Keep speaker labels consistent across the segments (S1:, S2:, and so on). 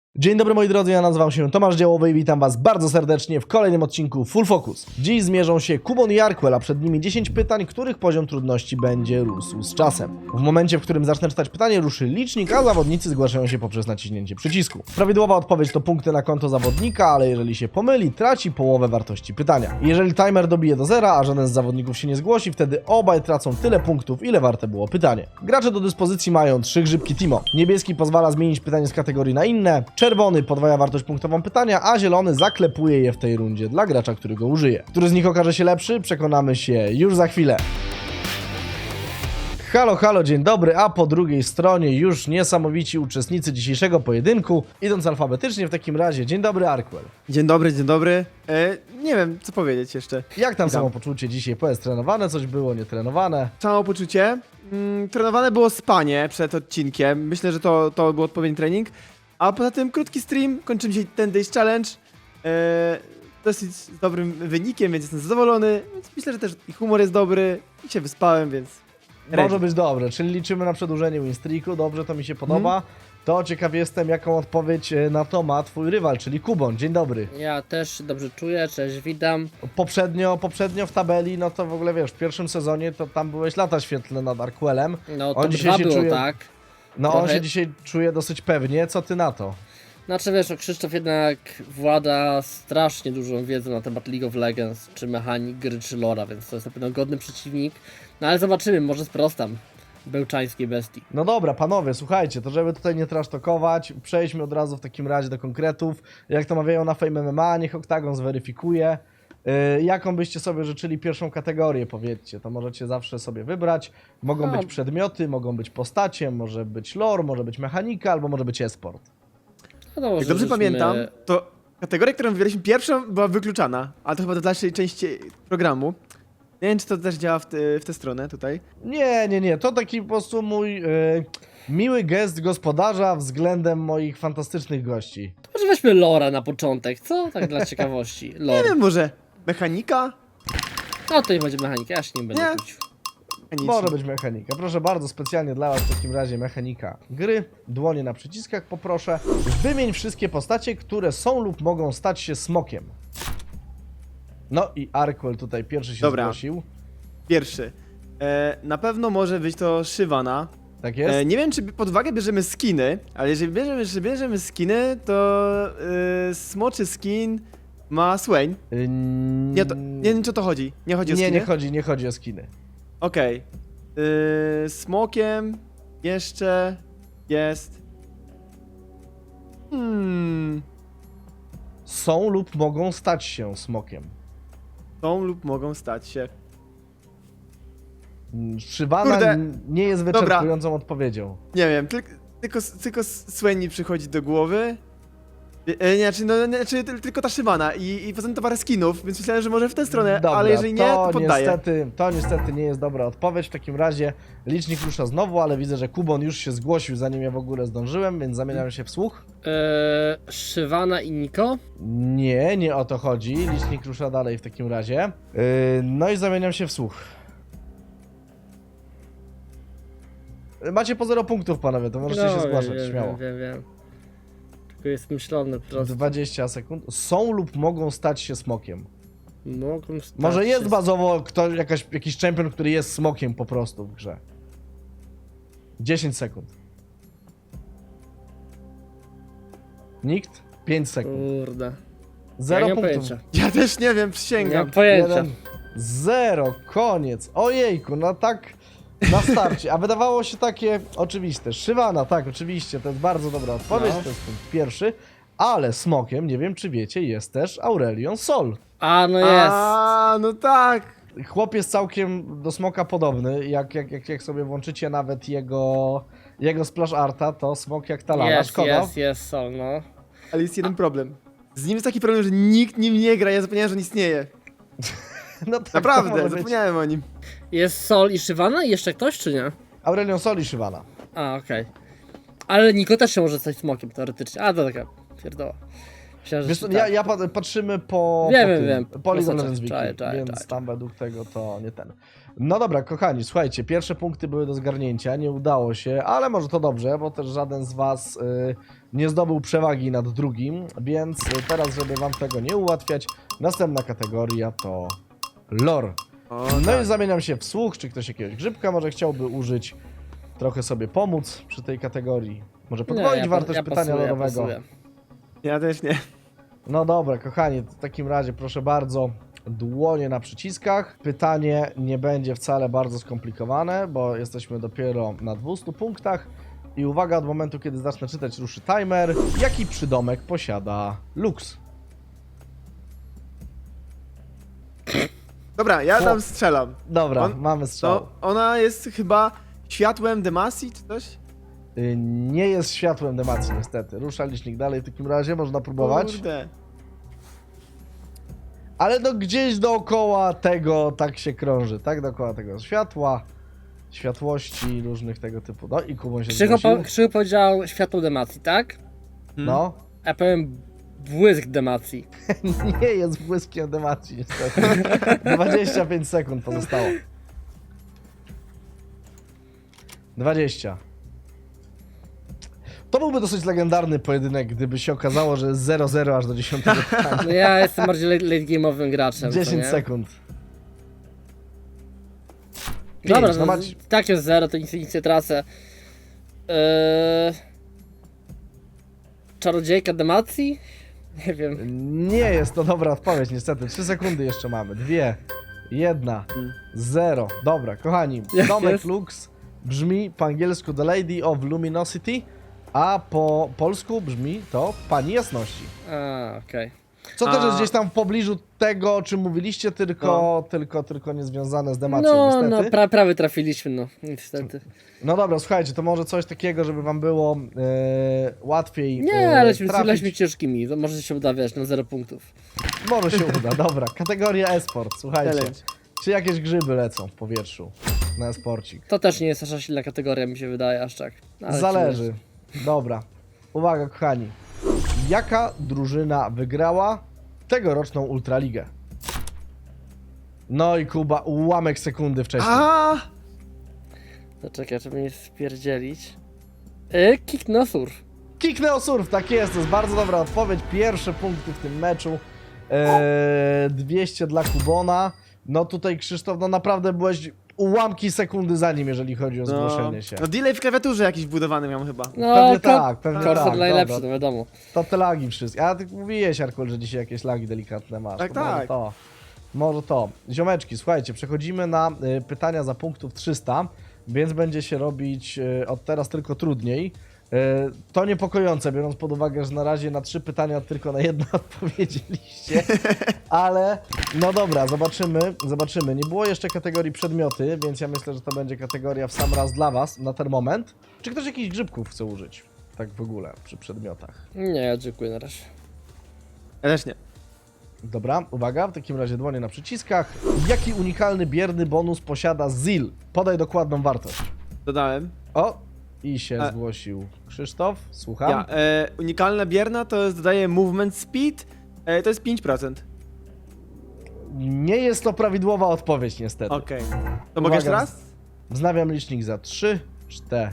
S1: Dzień dobry moi drodzy, ja nazywam się Tomasz Działowy i witam was bardzo serdecznie w kolejnym odcinku Full Focus. Dziś zmierzą się Kubon i Arkwell, a przed nimi 10 pytań, których poziom trudności będzie rósł z czasem. W momencie, w którym zacznę czytać pytanie, ruszy licznik, a zawodnicy zgłaszają się poprzez naciśnięcie przycisku. Prawidłowa odpowiedź to punkty na konto zawodnika, ale jeżeli się pomyli, traci połowę wartości pytania. Jeżeli timer dobije do zera, a żaden z zawodników się nie zgłosi, wtedy obaj tracą tyle punktów, ile warte było pytanie. Gracze do dyspozycji mają 3 grzybki Timo. Niebieski pozwala zmienić pytanie z kategorii na inne, czerwony podwaja wartość punktową pytania, a zielony zaklepuje je w tej rundzie dla gracza, który go użyje. Który z nich okaże się lepszy? Przekonamy się już za chwilę. Halo, halo, dzień dobry, a po drugiej stronie już niesamowici uczestnicy dzisiejszego pojedynku. Idąc alfabetycznie w takim razie, dzień dobry Arkwell.
S2: Dzień dobry, dzień dobry. Nie wiem, co powiedzieć jeszcze.
S1: Jak tam
S2: Witam.
S1: samopoczucie dzisiaj? Powiedz, trenowane coś było, nietrenowane?
S2: Samopoczucie. Trenowane było spanie przed odcinkiem. Myślę, że to był odpowiedni trening. A poza tym krótki stream, kończymy dzisiaj ten Days Challenge. Dosyć z dobrym wynikiem, więc jestem zadowolony. Więc myślę, że też i humor jest dobry. I się wyspałem, więc...
S1: Może być dobre, czyli liczymy na przedłużenie winstreaku, dobrze, to mi się podoba. To ciekaw jestem, jaką odpowiedź na to ma twój rywal, czyli Kubon. Dzień dobry.
S3: Ja też się dobrze czuję, cześć, witam.
S1: Poprzednio w tabeli, no to w ogóle wiesz, w pierwszym sezonie to tam byłeś lata świetlne nad Arkwellem.
S3: No to
S1: On dzisiaj
S3: dwa
S1: się
S3: było,
S1: czuje-
S3: tak?
S1: No on
S3: Trochę.
S1: się dzisiaj czuje dosyć pewnie, co ty na to?
S3: Znaczy wiesz, Krzysztof jednak włada strasznie dużą wiedzą na temat League of Legends, czy mechanik gry, czy lora, więc to jest na pewno godny przeciwnik. No ale zobaczymy, może sprostam bełczańskiej bestii.
S1: No dobra, panowie, słuchajcie, to żeby tutaj nie trasztokować, przejdźmy od razu w takim razie do konkretów. Jak to mawiają na Fame MMA, niech Oktagon zweryfikuje. Jaką byście sobie życzyli pierwszą kategorię, powiedzcie, to możecie zawsze sobie wybrać. Mogą
S3: No.
S1: być przedmioty, mogą być postacie, może być lore, może być mechanika, albo może być e-sport.
S3: No to może
S2: Jak dobrze
S3: żeśmy-
S2: pamiętam, to kategoria, którą wybraliśmy pierwszą, była wykluczana. Ale to chyba do dalszej części programu. Nie wiem, czy to też działa w tę stronę tutaj.
S1: Nie, to taki po prostu mój miły gest gospodarza względem moich fantastycznych gości.
S3: To może weźmy lora na początek, co? Tak dla ciekawości.
S2: Nie
S3: Lore.
S2: wiem, może mechanika?
S3: No to nie będzie mechanika, ja się nie będę
S2: Nie.
S3: kłócił.
S2: Mechaniczna.
S1: Może być mechanika. Proszę bardzo, specjalnie dla was w takim razie mechanika gry. Dłonie na przyciskach poproszę. Wymień wszystkie postacie, które są lub mogą stać się smokiem. No i Arkwell tutaj pierwszy się
S2: Dobra.
S1: zgłosił.
S2: Pierwszy. Na pewno może być to Shyvana.
S1: Tak jest?
S2: Nie wiem, czy pod uwagę bierzemy skiny, ale jeżeli bierzemy skiny, to smoczy skin ma Swain. Nie wiem, czy o to chodzi. Nie chodzi o skiny?
S1: nie chodzi o skiny.
S2: Okej. Smokiem jeszcze jest...
S1: Są lub mogą stać się smokiem.
S2: Są lub mogą stać się.
S1: Szywana
S2: Kurde.
S1: nie jest
S2: Dobra.
S1: wyczerpującą odpowiedzią.
S2: Nie wiem, tylko Swain mi przychodzi do głowy. Tylko ta Shyvana i poza tym to parę skinów, więc myślałem, że może w tę stronę,
S1: Dobra,
S2: ale jeżeli nie, to poddaję.
S1: To niestety nie jest dobra odpowiedź. W takim razie licznik rusza znowu, ale widzę, że Kubon już się zgłosił, zanim ja w ogóle zdążyłem, więc zamieniam się w słuch.
S3: Shyvana i Niko?
S1: Nie o to chodzi. Licznik rusza dalej w takim razie. No i zamieniam się w słuch. Macie po 0 punktów, panowie, to możecie się zgłaszać, śmiało.
S3: Wiem. Tylko jest myślony po prostu.
S1: 20 sekund. Są lub mogą stać się smokiem.
S3: Mogą stać
S1: Może jest
S3: się-
S1: bazowo jakiś champion, który jest smokiem po prostu w grze. 10 sekund. Nikt? 5 sekund.
S3: Kurde.
S1: 0
S3: nie mam
S1: punktów.
S3: pojęcia.
S2: Ja też nie wiem,
S3: Nie
S2: przysięgam.
S3: mam pojęcia.
S1: 1, 0, koniec. Ojejku, no tak na starcie. A wydawało się takie oczywiste. Shyvana, tak, oczywiście, to jest bardzo dobra odpowiedź,
S2: No.
S1: to jest punkt pierwszy. Ale smokiem, nie wiem czy wiecie, jest też Aurelion Sol.
S3: A, no jest.
S2: A, no tak.
S1: Chłop jest całkiem do smoka podobny. Jak sobie włączycie nawet jego splash arta, to smok jak ta lala. Szkoda.
S3: Jest, Sol, no.
S2: Ale jest jeden problem. Z nim jest taki problem, że nikt nim nie gra, ja zapomniałem, że on istnieje.
S1: No tak, to
S2: Naprawdę,
S1: może być.
S2: zapomniałem o nim.
S3: Jest Sol i Shyvana i jeszcze ktoś, czy nie?
S1: Aurelion Sol i Shyvana.
S3: A, okej. Ale Niko też się może stać smokiem, teoretycznie. A, to taka pierdoła. Myślałem, że
S1: Wiesz co,
S3: tak.
S1: patrzymy po
S3: Wiem.
S1: po League of
S3: Prosto,
S1: Legends Wiki,
S3: czaję.
S1: więc tam według tego to nie ten. No dobra, kochani, słuchajcie, pierwsze punkty były do zgarnięcia, nie udało się, ale może to dobrze, bo też żaden z was nie zdobył przewagi nad drugim, więc teraz, żeby wam tego nie ułatwiać, następna kategoria to lore.
S2: O,
S1: No
S2: tak.
S1: i zamieniam się w słuch, czy ktoś jakiegoś grzybka może chciałby użyć, trochę sobie pomóc przy tej kategorii, może podwoić wartość pytania lorowego.
S2: Ja też nie.
S1: No dobra, kochani, w takim razie proszę bardzo, dłonie na przyciskach. Pytanie nie będzie wcale bardzo skomplikowane, bo jesteśmy dopiero na 200 punktach. I uwaga, od momentu, kiedy zacznę czytać, ruszy timer. Jaki przydomek posiada Lux?
S2: Dobra, ja tam strzelam.
S1: Dobra,
S2: On-
S1: mamy strzał.
S2: No, ona jest chyba światłem Demacji, czy coś?
S1: Nie jest światłem Demacji, niestety. Rusza licznik dalej, w takim razie można próbować.
S2: Kurde.
S1: Ale no gdzieś dookoła tego tak się krąży, tak? Dookoła tego światła, światłości, różnych tego typu. No i Kubon się zgłosił.
S3: Krzychu powiedział światło demacji, tak?
S1: No.
S3: Ja powiem błysk demacji.
S1: Nie jest błyskiem Demacji, niestety. 25 sekund pozostało. 20. To byłby dosyć legendarny pojedynek, gdyby się okazało, że jest 0-0 aż do 10 pytania.
S3: No ja jestem bardziej late game'owym graczem.
S1: 10
S3: co nie?
S1: sekund.
S3: Dobra,
S1: Pięć,
S3: no,
S1: macie-
S3: tak jest 0, to nic nie tracę. Czarodziejka demacji? Nie wiem.
S1: Nie jest to dobra odpowiedź, niestety. 3 sekundy jeszcze mamy. 2, 1, 0. Dobra, kochani.
S3: Jak
S1: Domek
S3: jest?
S1: Lux brzmi po angielsku The Lady of Luminosity, a po polsku brzmi to Pani Jasności.
S3: A, okej.
S1: Co też
S2: A.
S1: jest gdzieś tam w pobliżu tego, o czym mówiliście, tylko niezwiązane z demacją,
S3: No,
S1: niestety.
S3: prawie trafiliśmy, no, niestety.
S1: No dobra, słuchajcie, to może coś takiego, żeby wam było łatwiej
S3: Nie, leśmy
S1: trafić.
S3: ciężkimi, to może się uda, wiesz, na 0 punktów.
S1: Może się uda, dobra. Kategoria e-sport, słuchajcie.
S2: Challenge.
S1: Czy jakieś grzyby lecą w powietrzu na e-sporcik?
S3: To też nie jest nasza silna kategoria, mi się wydaje, aż tak. No, ale
S1: Zależy. Dobra. Uwaga, kochani. Jaka drużyna wygrała tegoroczną Ultraligę? No i Kuba, ułamek sekundy wcześniej.
S2: A!
S3: To czekaj, żeby nie spierdzielić. Kick no surf.
S1: Kikneo Surf, tak jest, to jest bardzo dobra odpowiedź. Pierwsze punkty w tym meczu. 200 dla Kubona. No tutaj Krzysztof, no naprawdę byłeś ułamki sekundy za nim, jeżeli chodzi o zgłoszenie się.
S2: No delay w klawiaturze jakiś wbudowany miałem chyba.
S3: No,
S1: Pewnie tak, pewnie
S3: Cursor
S1: tak.
S3: najlepszy,
S1: Dobra.
S3: no wiadomo.
S1: To te lagi wszystkie. A ty mówiłeś, Arkol, że dzisiaj jakieś lagi delikatne masz.
S2: Tak,
S1: To może
S2: tak.
S1: to. Może to. Ziomeczki, słuchajcie, przechodzimy na pytania za punktów 300, więc będzie się robić od teraz tylko trudniej. To niepokojące, biorąc pod uwagę, że na razie na 3 pytania tylko na jedno odpowiedzieliście. Ale no dobra, zobaczymy. Nie było jeszcze kategorii przedmioty, więc ja myślę, że to będzie kategoria w sam raz dla was na ten moment. Czy ktoś jakichś grzybków chce użyć? Tak w ogóle, przy przedmiotach.
S3: Nie, ja dziękuję na razie.
S2: Ja też nie.
S1: Dobra, uwaga, w takim razie dłonie na przyciskach. Jaki unikalny bierny bonus posiada ZIL? Podaj dokładną wartość.
S2: Dodałem.
S1: O, i się
S2: A-
S1: zgłosił Krzysztof, słucham.
S2: Ja, unikalna bierna to jest, dodaje movement speed, to jest 5%.
S1: Nie jest to prawidłowa odpowiedź niestety.
S2: Okej. To mogę jeszcze
S1: Uwaga.
S2: raz?
S1: Wznawiam licznik za 3, 4.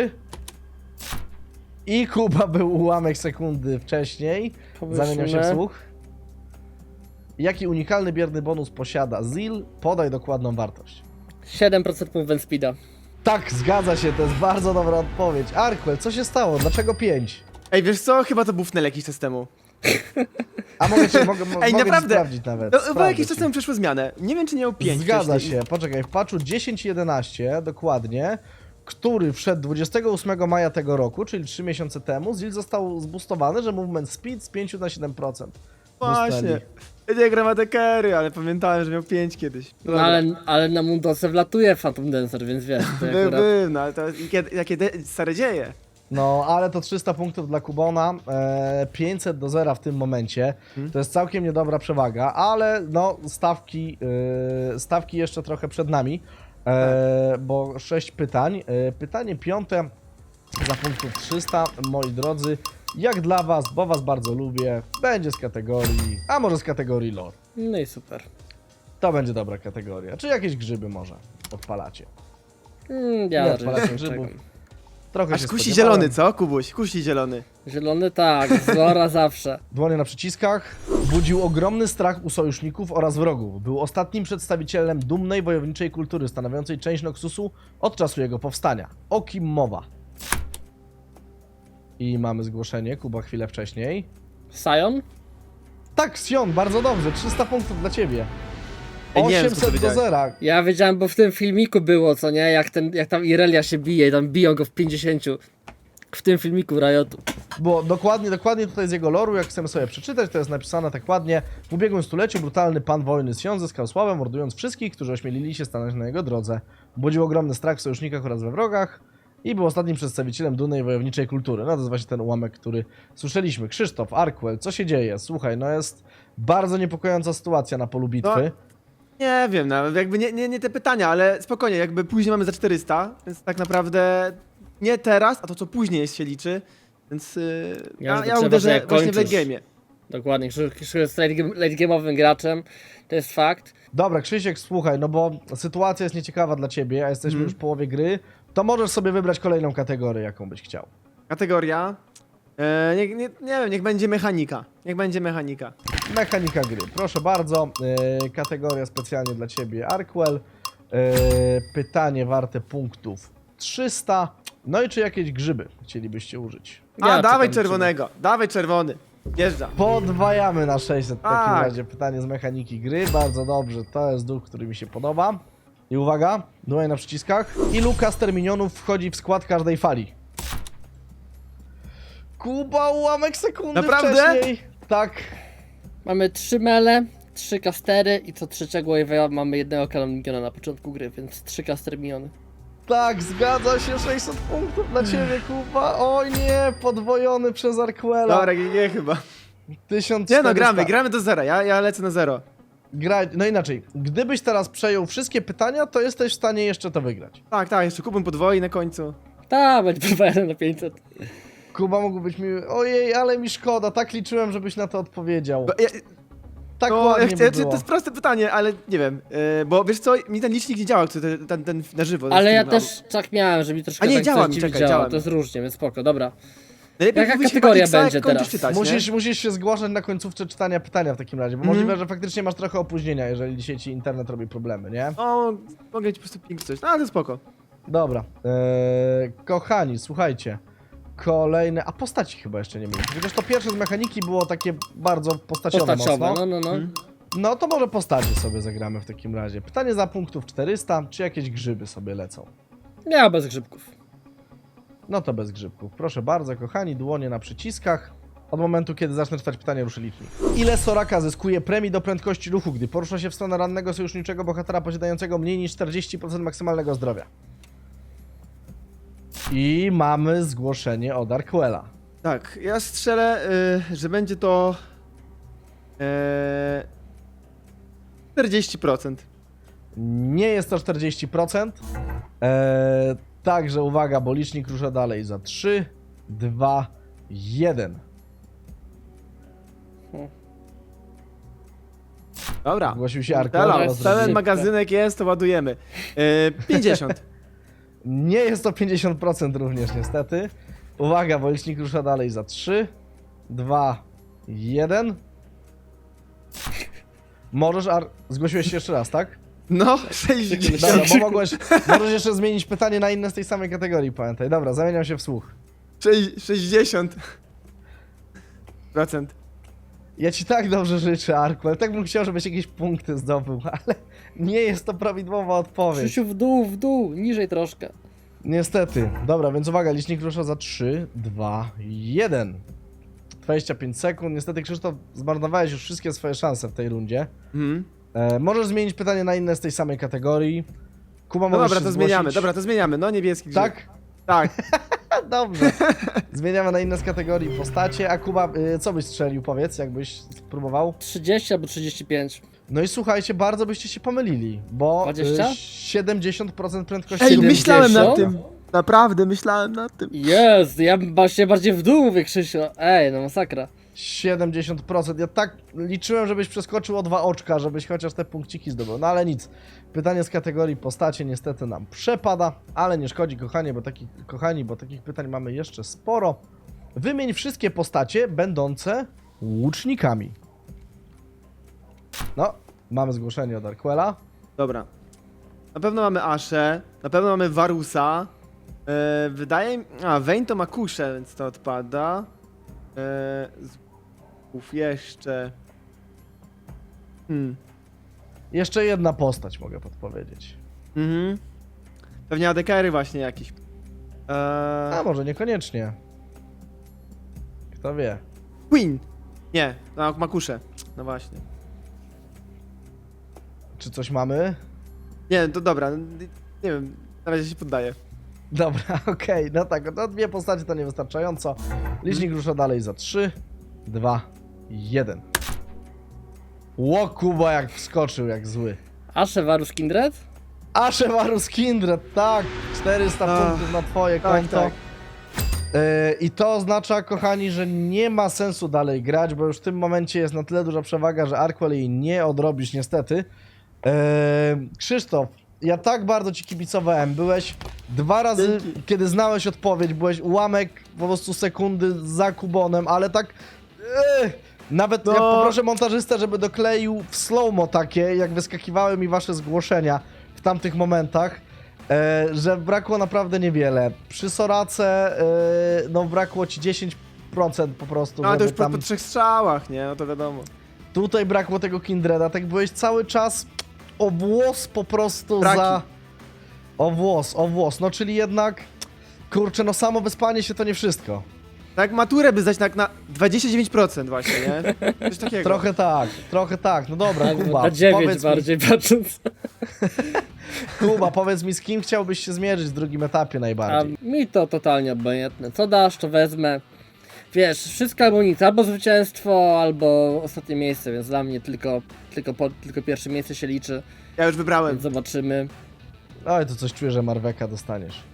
S1: I Kuba był ułamek sekundy wcześniej. Zamieniam się w słuch. Jaki unikalny bierny bonus posiada ZIL? Podaj dokładną wartość.
S3: 7% movement speeda.
S1: Tak, zgadza się, to jest bardzo dobra odpowiedź. Arkwell, co się stało? Dlaczego 5?
S2: Ej, wiesz co? Chyba to bufnel jakiś czas temu.
S1: A mogę
S2: Ej,
S1: mogę ci
S2: naprawdę.
S1: sprawdzić nawet.
S2: No, bo
S1: Sprawdzę
S2: jakiś czas
S1: ci.
S2: temu przeszło zmianę. Nie wiem, czy nie miał 5
S1: Zgadza
S2: wcześniej.
S1: się, poczekaj, w patchu 10.11 dokładnie, który wszedł 28 maja tego roku, czyli 3 miesiące temu, ZIL został zboostowany, że movement speed z 5 na 7%.
S2: Właśnie.
S1: Boostnęli.
S2: Ja nie gram adekery, ale pamiętałem, że miał 5 kiedyś.
S3: No,
S2: Dobra.
S3: ale na Mundose wlatuje Phantom Dancer, więc wiesz, to
S2: Był,
S3: akurat...
S2: no ale to jakie stare dzieje.
S1: No, ale to 300 punktów dla Kubona, 500 do 0 w tym momencie. To jest całkiem niedobra przewaga, ale no stawki jeszcze trochę przed nami, bo 6 pytań. Pytanie piąte za punktów 300, moi drodzy. Jak dla was, bo was bardzo lubię, będzie z kategorii, a może z kategorii lore.
S3: No i super.
S1: To będzie dobra kategoria. Czy jakieś grzyby może odpalacie?
S3: Ja
S1: Nie,
S3: raczej
S1: odpalacie
S3: nie
S1: grzybów.
S3: czekam.
S1: Trochę
S2: Aż
S1: się
S2: kusi
S1: spodziewałem.
S2: zielony, co, Kubuś? Kusi zielony.
S3: Zielony tak, z Lora zawsze.
S1: Dłonie na przyciskach. Budził ogromny strach u sojuszników oraz wrogów. Był ostatnim przedstawicielem dumnej wojowniczej kultury stanowiącej część Noxusu od czasu jego powstania. O kim mowa? I mamy zgłoszenie, Kuba chwilę wcześniej.
S3: Sion?
S1: Tak, Sion, bardzo dobrze, 300 punktów dla ciebie.
S2: Ej, nie wiem, co
S1: 800 do
S2: powiedziałeś.
S1: 0.
S3: Ja wiedziałem, bo w tym filmiku było, co nie? Jak tam Irelia się bije i tam biją go w 50. W tym filmiku Riotu.
S1: Bo dokładnie tutaj z jego loru, jak chcemy sobie przeczytać, to jest napisane tak ładnie. W ubiegłym stuleciu brutalny pan wojny Sion zyskał sławę, mordując wszystkich, którzy ośmielili się stanąć na jego drodze. Budził ogromny strach w sojusznikach oraz we wrogach i był ostatnim przedstawicielem dumnej wojowniczej kultury. No to jest właśnie ten ułamek, który słyszeliśmy. Krzysztof, Arkwell, co się dzieje? Słuchaj, no jest bardzo niepokojąca sytuacja na polu bitwy.
S2: Nie wiem, nawet jakby nie te pytania, ale spokojnie, jakby później mamy za 400, więc tak naprawdę nie teraz, a to co później jest się liczy, więc
S3: Ja
S2: ja
S3: trzeba,
S2: uderzę
S3: że
S2: właśnie w
S3: kończysz.
S2: late game'ie.
S3: Dokładnie, Krzysztof jest late game'owym graczem. To jest fakt.
S1: Dobra, Krzysiek, słuchaj, no bo sytuacja jest nieciekawa dla ciebie, a jesteśmy już w połowie gry, to możesz sobie wybrać kolejną kategorię, jaką byś chciał.
S2: Kategoria, nie wiem, niech będzie mechanika, niech będzie mechanika.
S1: Mechanika gry, proszę bardzo, kategoria specjalnie dla ciebie, Arkwell, pytanie warte punktów 300, no i czy jakieś grzyby chcielibyście użyć?
S3: Ja
S2: Dawaj
S3: czekam,
S2: czerwonego, dawaj czerwony, jeżdża.
S1: Podwajamy na 600 w takim
S2: Tak.
S1: razie, pytanie z mechaniki gry, bardzo dobrze, to jest duch, który mi się podoba. I uwaga, dłoń na przyciskach, ilu caster minionów wchodzi w skład każdej fali? Kuba, ułamek sekundy
S2: Naprawdę?
S1: wcześniej. Tak.
S3: Mamy 3 mele, 3 kastery i co trzeciego wave'a mamy jednego kanonikiona na początku gry, więc 3 caster miniony.
S1: Tak, zgadza się, 600 punktów dla ciebie, Kuba. Oj nie, podwojony przez Arkwella.
S2: Dobra, GG chyba.
S1: 1400.
S2: Nie no, gramy do zera, ja lecę na zero.
S1: No inaczej, gdybyś teraz przejął wszystkie pytania, to jesteś w stanie jeszcze to wygrać.
S2: Tak, jeszcze Kubę podwoi na końcu.
S3: Tak, będzie podwajany na 500.
S1: Kuba mógł być mi... Ojej, ale mi szkoda, tak liczyłem, żebyś na to odpowiedział. Tak
S2: No,
S1: ładnie by
S2: to
S1: było.
S2: jest proste pytanie, ale nie wiem, bo wiesz co, mi ten licznik nie działa, ten na żywo.
S3: Ale ja
S2: stream,
S3: też tak miałem, że mi troszkę
S2: A nie,
S3: tak
S2: działa
S3: coś
S2: mi,
S3: dziwnie
S2: czekaj, działa mi.
S3: To jest różnie, więc spoko, dobra.
S2: Najlepiej
S3: Jaka
S2: mówić
S3: kategoria
S2: chyba X,
S3: będzie
S2: jak kończysz
S3: teraz?
S2: Czytać,
S1: Musisz się zgłaszać na końcówce czytania pytania w takim razie, bo możliwe, że faktycznie masz trochę opóźnienia, jeżeli dzisiaj ci internet robi problemy, nie?
S2: No, mogę ci po prostu ping coś, no ale to spoko.
S1: Dobra, kochani, słuchajcie, kolejne, a postaci chyba jeszcze nie mieliśmy, chociaż to pierwsze z mechaniki było takie bardzo postaciowe
S3: Postaciowe,
S1: mocno.
S3: no.
S1: No to może postacie sobie zagramy w takim razie. Pytanie za punktów 400, czy jakieś grzyby sobie lecą?
S3: Ja bez grzybków.
S1: No to bez grzybków. Proszę bardzo, kochani, dłonie na przyciskach. Od momentu, kiedy zacznę czytać pytanie, ruszy licznik. Ile Soraka zyskuje premii do prędkości ruchu, gdy porusza się w stronę rannego sojuszniczego bohatera posiadającego mniej niż 40% maksymalnego zdrowia? I mamy zgłoszenie od Arkwella.
S2: Tak, ja strzelę, że będzie to 40%.
S1: Nie jest to 40%. Także uwaga, bo licznik rusza dalej za 3, 2, 1.
S2: Dobra.
S1: Zgłosił się Arkwell.
S2: Pełen
S1: oraz
S3: Teraz
S1: drugi.
S2: magazynek jest, to ładujemy. 50.
S1: Nie jest to 50% również niestety. Uwaga, bo licznik rusza dalej za 3, 2, 1. Możesz, zgłosiłeś się jeszcze raz, tak?
S2: No, 60.
S1: Dobra, bo możesz jeszcze zmienić pytanie na inne z tej samej kategorii, pamiętaj. Dobra, zamieniam się w słuch.
S2: 60%.
S1: Ja ci tak dobrze życzę, Arkwell. Tak bym chciał, żebyś jakieś punkty zdobył, ale nie jest to prawidłowa odpowiedź.
S3: Krzysiu w dół, niżej troszkę.
S1: Niestety. Dobra, więc uwaga, licznik rusza za 3, 2, 1. 25 sekund. Niestety, Krzysztof, zmarnowałeś już wszystkie swoje szanse w tej rundzie.
S2: Mhm.
S1: Możesz zmienić pytanie na inne z tej samej kategorii. Kuba,
S2: No
S1: możesz
S2: dobra,
S1: się
S2: to
S1: zgłosić.
S2: zmieniamy, no niebieski grzyb.
S1: Tak?
S2: Tak.
S1: Dobrze. Zmieniamy na inne z kategorii postacie. A Kuba, co byś strzelił, powiedz, jakbyś spróbował?
S3: 30 albo 35.
S1: No i słuchajcie, bardzo byście się pomylili, bo
S3: 20?
S1: 70% prędkości...
S2: Ej,
S3: 70?
S2: myślałem nad tym. Naprawdę myślałem nad tym.
S3: Jest, ja się bardziej w dół mówię, Krzysiu. Ej, no masakra.
S1: 70%. Ja tak liczyłem, żebyś przeskoczył o 2 oczka, żebyś chociaż te punkciki zdobył. No ale nic. Pytanie z kategorii postacie niestety nam przepada, ale nie szkodzi, kochani, bo takich pytań mamy jeszcze sporo. Wymień wszystkie postacie będące łucznikami. No, mamy zgłoszenie od Arquela.
S2: Dobra. Na pewno mamy Aszę, na pewno mamy Varusa. Wydaje mi... Vayne to ma kuszę, więc to odpada. Jeszcze...
S1: Jeszcze jedna postać mogę podpowiedzieć.
S2: Pewnie ADK-y właśnie jakieś.
S1: A może niekoniecznie. Kto wie.
S2: Queen! Nie, ma kuszę. No właśnie.
S1: Czy coś mamy?
S2: Nie, to dobra. Nie wiem, na razie się poddaję.
S1: Dobra, okej, no tak, no 2 postacie to niewystarczająco. Licznik rusza dalej za 3, 2, 1. Ło, Kuba jak wskoczył, jak zły.
S3: Ashe Varus Kindred?
S1: Ashe Varus Kindred, tak, 400 punktów na twoje
S2: tak,
S1: konto.
S2: tak.
S1: I to oznacza, kochani, że nie ma sensu dalej grać, bo już w tym momencie jest na tyle duża przewaga, że Arquel jej nie odrobisz niestety. Krzysztof, ja tak bardzo ci kibicowałem, byłeś 2 razy,
S2: Dzięki.
S1: kiedy znałeś odpowiedź, byłeś ułamek po prostu sekundy za Kubonem, ale tak... Nawet
S2: No.
S1: ja poproszę montażystę, żeby dokleił w slow-mo takie, jak wyskakiwały mi wasze zgłoszenia w tamtych momentach, że brakło naprawdę niewiele. Przy Sorace, no brakło ci 10% po prostu,
S2: No ale to
S1: żeby
S2: już po
S1: tam...
S2: 3 strzałach, nie? No to wiadomo.
S1: Tutaj brakło tego Kindreda, tak byłeś cały czas o włos po prostu
S2: Braki.
S1: za... O włos, no czyli jednak... Kurczę, no samo wyspanie się to nie wszystko.
S2: Tak maturę by zdać tak na 29% właśnie, nie? Coś takiego.
S1: Trochę tak, no dobra,
S3: Tak,
S1: Kuba,
S3: na 9
S1: powiedz
S3: bardziej patrząc.
S1: Kuba, powiedz mi, z kim chciałbyś się zmierzyć w drugim etapie
S3: A
S1: najbardziej?
S3: mi to totalnie obojętne. Co dasz, to wezmę. Wiesz, wszystko albo nic, albo zwycięstwo, albo ostatnie miejsce, więc dla mnie tylko pierwsze miejsce się liczy,
S2: Ja już wybrałem.
S3: więc zobaczymy.
S1: Oj, to coś czuję, że Marweka dostaniesz.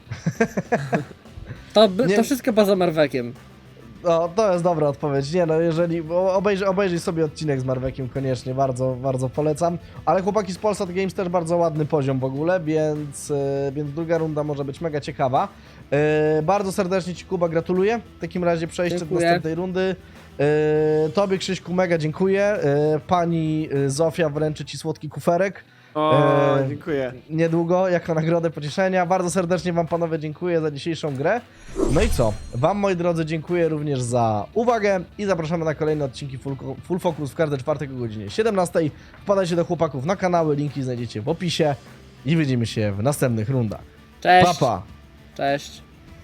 S1: Nie-
S3: To wszystko poza Marwekiem.
S1: No, to jest dobra odpowiedź. Nie no, jeżeli... Obejrzyj sobie odcinek z Marwekiem koniecznie, bardzo, bardzo polecam. Ale chłopaki z Polsat Games też bardzo ładny poziom w ogóle, więc druga runda może być mega ciekawa. Bardzo serdecznie ci, Kuba, gratuluję. W takim razie przejście do
S3: Dziękuję.
S1: następnej rundy. Tobie, Krzyśku, mega dziękuję. Pani Zofia wręczy ci słodki kuferek.
S2: O, dziękuję.
S1: Niedługo, jako nagrodę pocieszenia. Bardzo serdecznie wam, panowie, dziękuję za dzisiejszą grę. No i co? Wam, moi drodzy, dziękuję również za uwagę i zapraszamy na kolejne odcinki Full Focus w każdy czwartek o godzinie 17. Wpadajcie do chłopaków na kanały, linki znajdziecie w opisie i widzimy się w następnych rundach.
S3: Cześć.
S1: Pa, pa!
S3: Cześć.